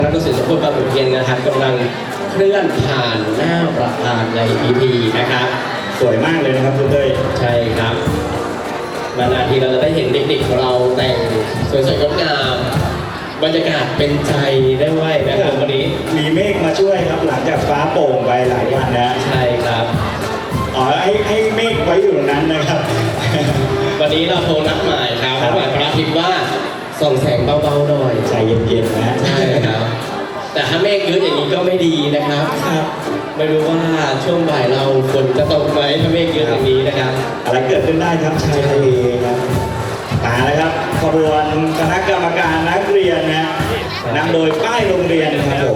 นักดนตรีสมบูรณ์บางขุนเทียนนะครับกำลังเคลื่อนผ่านหน้าประธานในพิธีนะครับสวยมากเลยนะครับคุณเต้ยใช่ครับนานๆทีเราจะได้เห็นเด็กๆของเราแต่งสวยๆงดงามบรรยากาศเป็นใจได้ไหวนะครับวันนี้มีเมฆมาช่วยครับหลังจากฟ้าโปร่งไปหลายวันนะใช่ครับให้เมฆไว้อยู่ตรงนั้นนะครับวันนี้เราโทรนัดหมายครับนัดหมายพระอาทิตย์ว่าส่องแสงเบาๆหน่อยใจเย็นๆนะใช่ครับแต่ถ้าเมฆเยอะอย่างนี้ก็ไม่ดีนะครับไม่รู้ว่าช่วงบ่ายเราฝนจะตกไหมถ้าเมฆเยอะอย่างนี้นะครับอะไรเกิดขึ้นได้ครับชายทะเลครับมาแล้วครับขบวนคณะกรรมการนักเรียนนะนำโดยป้ายโรงเรียนครับผม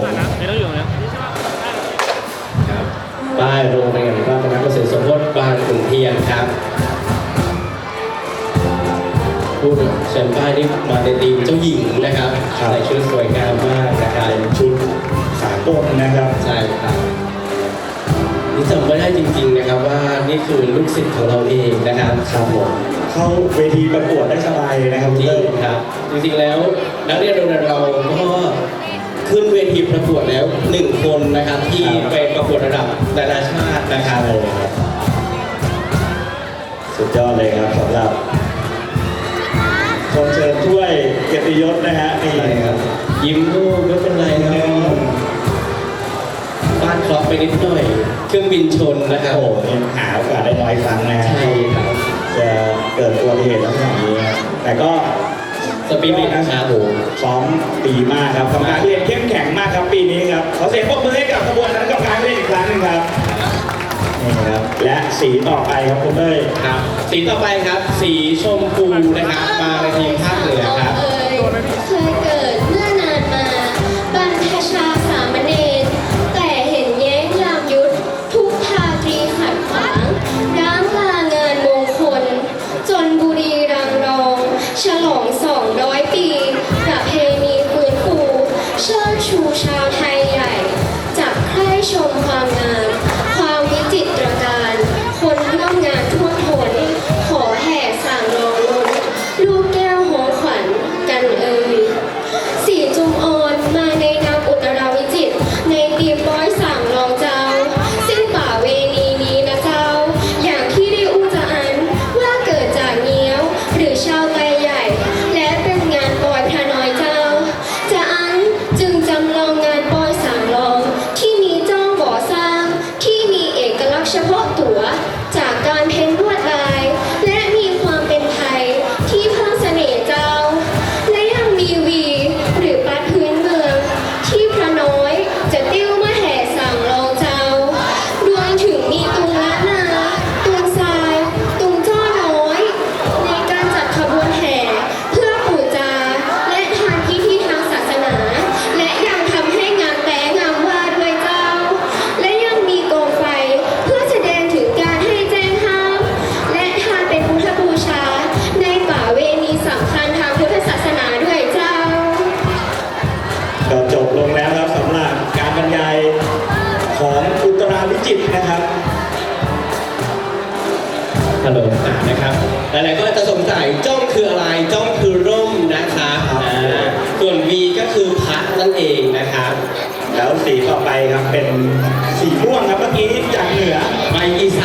ป้ายโรงเรียนพระคณะเกษตรสมโภชบางขุนเทียนครับผู้เชิญป้ายนี้มาในทีมเจ้าหญิงนะครับใส่ชุดสวยงามมากนะครับชุดสากลนะครับใช่ครับนี่จำไม่ได้จริงๆนะครับว่านี่คือลูกศิษย์ของเราเองนะครับครับผมเข้าเวทีประกวดได้สบายเลยนะครับจริงครับจริงๆแล้วนักเรียนโรงเรียนเราก็ขึ้นเวทีประกวดแล้ว1 คนนะครับที่ไปประกวดระดับนานาชาตินะครับสุดยอดเลยครับสำหรับคนเชิญถ้วยเกียรติยศนะฮะนี่ครับยิ้มลูกไม่เป็นไรนะฟาดเคราะห์ไปนิดหน่อยเครื่องบินชนนะครับโอ้ยังหาโอกาสได้น้อยครั้งนะใช่ครับจะเกิดอุบัติเหตุลักษณะนี้แต่ก็สปีดนะครับผมซ้อมดีมากครับกรรมการเรียนเข้มแข็งมากครับปีนี้ครับขอเสียงปรบมือให้กับขบวนคณะกรรมการเรียนอีกครั้งหนึ่งครับนี่ครับและสีต่อไปครับคุณเต้ยครับสีต่อไปครับสีชมพูนะครับมาในทีมภาคเหนือครับเคยเกิดเมื่อนานมาบรรพชาสามเณรแต่เห็นแย้งยามยุทธทุกทาตรีขัดขวางร้างลางานมงคลจนบุรีรังรองฉลอง200 ปีประเพณีฟื้นฟูเชิดชูชาวไทยใหญ่จับใคร่ชมความงามความวิจิตรการคนร่วมงานท่วมท้นขอแห่สั่งรองล้นลูกแก้วหงขวัญกันสีจุมอ่อนมาในนามอุตราวิจิตรในตีมร้อยสั่งรองเจ้าสิ้นป่าเวณีนี้นะเจ้าอย่างที่ได้อู้จะอันว่าเกิดจากเงี้ยวหรือชาวไทยใหญ่และเป็นงานปอยพระน้อยเจ้าจะอันจึงจำลองงานปอยสั่งรองที่มีเจ้าบ่อสร้างที่มีเอกลักษณ์เฉพาะตัวจากการเพ้นลวดลายและมีความเป็นไทยที่เพิ่มเสน่ห์เจ้าและยังมีวีหรือปัดพื้นเมืองที่พระน้อยจะติ้วมาแห่สั่งรองเจ้ารวมถึงมีตุงละนาตุงทรายตุงจ้อน้อยในการจัดขบวนแห่เพื่อปู่จาและทางพิธีทางศาสนาและยังทำให้งานแต่งามว่าด้วยเจ้าและยังมีกองไฟเพื่อแสดงถึงการให้แจ้งห้ามและทานเป็นพุทธบูชาในป่าเวณีสำคัญทางพุทธศาสนาด้วยเจ้าก็จบลงแล้วครับสำหรับการบรรยายของอุตราวิจิตรนะครับฮัลโหลนะครับหลายๆก็จะสงสัยจ้องคืออะไรจ้องคือร่มนะครับส่วน V ก็คือพัดนั่นเองนะครับแล้วสีต่อไปครับเป็นสีม่วงครับเมื่อกี้จากเหนือไปอีส